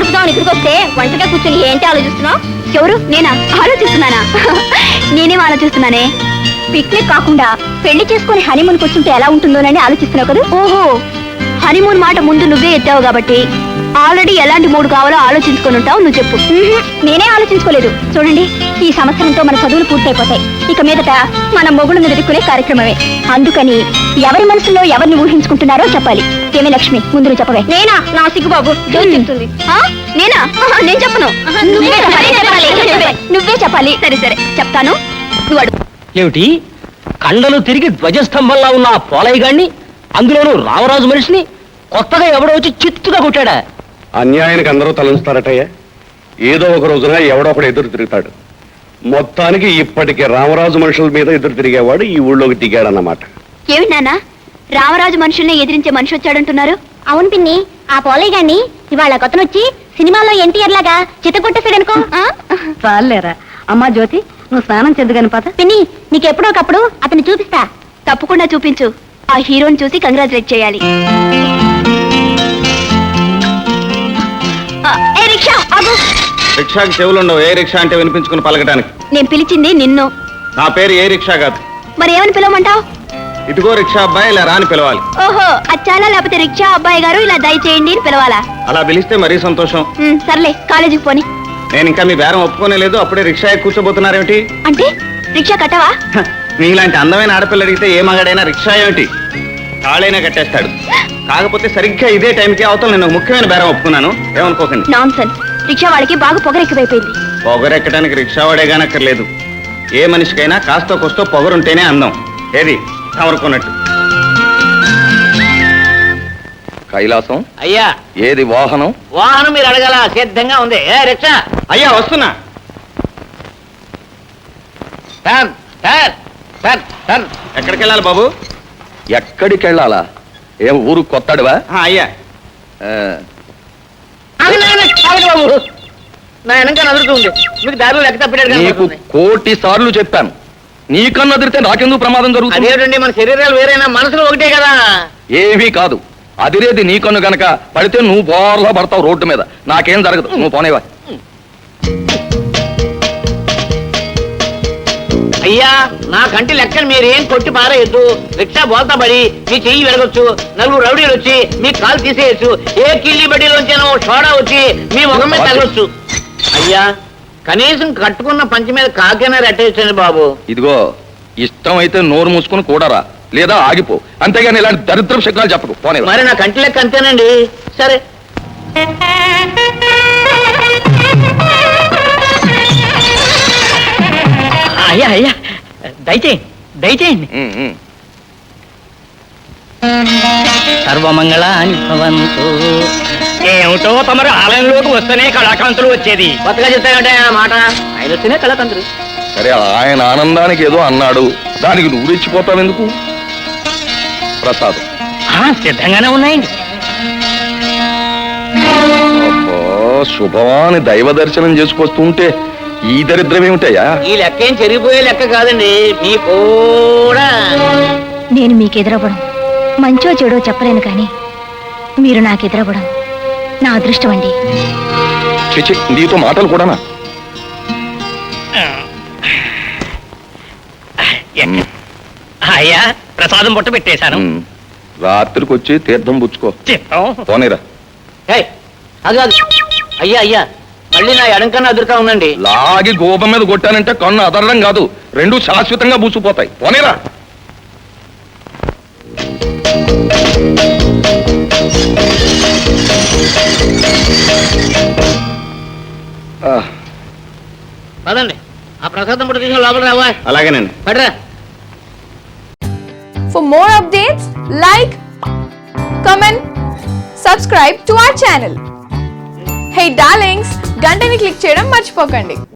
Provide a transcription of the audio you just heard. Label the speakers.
Speaker 1: గడుపుదాం ఇక్కడికి వస్తే వంటగా కూర్చొని ఏంటి ఆలోచిస్తున్నావు? ఎవరు? నేనా? ఆలోచిస్తున్నానా? నేనేం ఆలోచిస్తున్నానే, పిక్నిక్ కాకుండా పెళ్లి చేసుకుని హనీమూన్ కూర్చుంటే ఎలా ఉంటుందోనని ఆలోచిస్తున్నావు కదా. ఓహో, హనీమూన్ మాట ముందు నువ్వే ఎత్తావు కాబట్టి ఆల్రెడీ ఎలాంటి మూడు కావాలో ఆలోచించుకొని ఉంటావు. నువ్వు చెప్పు. నేనే ఆలోచించుకోలేదు. చూడండి, ఈ సంవత్సరంతో మన చదువులు పూర్తయిపోతాయి. ఇక మీదట మన మొగుడు నిలుదుకునే కార్యక్రమమే. అందుకని ఎవరి మనసులో ఎవరిని ఊహించుకుంటున్నారో చెప్పాలి. ఏమే లక్ష్మి, ముందు నువ్వు చెప్పవే. నేనా? నా సిగ్గుబాబు చెప్తుంది. నేనా? నేను చెప్పను. నువ్వే చెప్పాలి. సరే సరే చెప్తాను.
Speaker 2: ఏమిటి, కండలు తిరిగి ధ్వజస్తంభంలా ఉన్న ఆ పోలయ్య గాడిని, అందులోనూ రామరాజు మనిషిని కొత్తగా ఎవడో వచ్చి చిత్తుగా కొట్టాడా?
Speaker 3: అన్యాయానికి అందరూ తలంచుతారటయ్యా. ఏదో ఒక రోజున ఎవడో ఒకడు ఎదురు తిరుగుతాడు. మొత్తానికి ఇప్పటికే రామరాజు మనుషుల మీద ఎదురు తిరిగేవాడు ఈ ఊళ్ళోకి దిగాడన్నమాట.
Speaker 1: ఏమిటి నాన్న, రామరాజు మనుషుల్ని ఎదిరించే మనిషి వచ్చాడంటున్నారు?
Speaker 4: అవును పిన్ని, ఆ పోలయ్య గారిని ఇవాళ కొత్తనొచ్చి సినిమాలో ఎన్టీఆర్ లాగా చిత్తకొట్టేసాడనుకో.
Speaker 5: చాలేరా అమ్మా జ్యోతి, నువ్వు స్నానం చెందుగాని పద.
Speaker 4: పిన్ని, నీకెప్పుడో ఒకప్పుడు అతన్ని చూపిస్తా.
Speaker 1: తప్పకుండా చూపించు. ఆ హీరోని చూసి కంగ్రాచులేట్ చేయాలి. ఏ రిక్షా ఆగు.
Speaker 6: రిక్షాకి చెవులుండవు. ఏ రిక్షా అంటే వినిపించుకుని పలకటానికి.
Speaker 1: నేను పిలిచింది నిన్ను.
Speaker 6: నా పేరు ఏ రిక్షా కాదు.
Speaker 1: మరి ఏమని పిలవమంటావు?
Speaker 6: ఇదిగో రిక్షా అబ్బాయి, ఇలా రాని పిలవాలి.
Speaker 1: ఓహో, అచ్చాలా లేకపోతే రిక్షా అబ్బాయి గారు ఇలా దయచేయండి అని పిలవాలా?
Speaker 6: అలా పిలిస్తే మరీ సంతోషం.
Speaker 1: సర్లే, కాలేజీకి పోని.
Speaker 6: నేను ఇంకా మీ బేరం ఒప్పుకోనే లేదు, అప్పుడే రిక్షా కూర్చోబోతున్నారేమిటి?
Speaker 1: అంటే రిక్షా కట్టవా?
Speaker 6: మీలాంటి అందమైన ఆడపిల్ల అడిగితే ఏ మగాడైనా రిక్షా ఏమిటి తాళైనా కట్టేస్తాడు. కాకపోతే సరిగ్గా ఇదే టైంకి అవతల నేను ముఖ్యమైన బేరం ఒప్పుకున్నాను, ఏమనుకోకండి.
Speaker 1: నాన్సెన్స్. రిక్షా వాళ్ళకి బాగా పొగరెక్కువైపోయింది.
Speaker 6: పొగరెక్కడానికి రిక్షా వాడేగానక్కర్లేదు. ఏ మనిషికైనా కాస్తో కొస్తో పొగరుంటేనే అందం. ఏది తమరుకున్నట్టు.
Speaker 3: కైలాసం
Speaker 2: అయ్యా,
Speaker 3: ఏది వాహనం?
Speaker 2: వాహనం మీరు అడగల, సిద్ధంగా ఉంది. ఏ రిక్షా?
Speaker 6: అయ్యా వస్తున్నా.
Speaker 2: Turn turn turn turn.
Speaker 6: ఎక్కడికి వెళ్ళాలి బాబు?
Speaker 3: ఎక్కడికి వెళ్ళాలా? ఏం ఊరు కొత్తడువా?
Speaker 6: అయ్యా
Speaker 2: బాబు, నా వెనక నదురుతుంది. మీకు దారిలో లెక్క తప్పినట్టు
Speaker 3: నీకు కోటి సార్లు చెప్పాను, నీకన్నా అదిరితే నాకెందుకు ప్రమాదం జరుగుతుంది?
Speaker 2: అదేంటండి, మన శరీరాలు వేరైనా మనసులు ఒకటే కదా.
Speaker 3: ఏమీ కాదు, అదిరేది నీ కన్ను గనక పడితే నువ్వు బోర్లా పడతావు రోడ్డు మీద. నాకేం జరగదు, నువ్వు పోనేవా.
Speaker 2: అయ్యా, నా కంటి లెక్కను మీరేం కొట్టి పారేయద్దు. రిక్షా బోల్తా పడి మీ చెయ్యి వెరగొచ్చు, నలుగురు రౌడీలు వచ్చి మీ కాలు తీసేయచ్చు, ఏ కిల్లి బడ్డీలోంచేనో షోడా వచ్చి మీ ముఖం మీద తగలొచ్చు. అయ్యా, కనీసం కట్టుకున్న పంచి మీద కాకైనా రెట్టేయచ్చండి బాబు.
Speaker 3: ఇదిగో, ఇష్టం అయితే నోరు మూసుకుని కూడరా, లేదా ఆగిపో. అంతేగాని ఇలాంటి దరిద్రపు శకునాలు చెప్పకు, పోనే.
Speaker 2: మరి నా కంటి లెక్క అంతేనండి. సరే. అయ్యా అయ్యా, దయచేయండి దయచేయండి. సర్వమంగళాని భవంతు. ఏమిటో తమరు ఆలయంలోకి వస్తేనే కళాకాంతులు వచ్చేది. కొత్తగా చెప్తానంటే ఆ మాట, ఆయన వస్తేనే కళాకాంతులు.
Speaker 3: సరే, ఆయన ఆనందానికి ఏదో అన్నాడు, దానికి నువ్వు రెచ్చిపోతావు ఎందుకు? ప్రసాదం
Speaker 2: సిద్ధంగానే ఉన్నాయండి.
Speaker 3: శుభవాని దైవ దర్శనం చేసుకొస్తుంటే ఈ దరిద్రం ఏమిటయ్యా?
Speaker 2: ఈ లెక్క ఏం చెరిగిపోయే లెక్క కాదండి, మీ కూడా.
Speaker 1: నేను మీకు ఎదురవ్వడం మంచో చెడో చెప్పలేను, కానీ మీరు నాకు ఎదురవ్వడం నా అదృష్టం అండి.
Speaker 3: చిచి, నీతో మాటలు కూడానా?
Speaker 2: అయ్యా, ప్రసాదం బొట్ట పెట్టేశాను.
Speaker 3: రాత్రికి వచ్చి తీర్థం పుచ్చుకో. పోనీరా.
Speaker 2: అది అయ్యా అయ్యా, మళ్ళీ నా ఎడంకన్నా అదురుగా ఉందండి.
Speaker 3: లాగి గోపం మీద కొట్టానంటే కన్ను అదరడం కాదు, రెండు శాశ్వతంగా పూసిపోతాయి. పోనీరా.
Speaker 2: పదండి, ఆ ప్రసాదం బొట్ట తీసుకుని లోపల రావా.
Speaker 6: అలాగేనండి.
Speaker 2: పడరా.
Speaker 7: For more updates, like, comment, subscribe to our channel. Hey darlings, గంటని click చేయడం మర్చిపోకండి.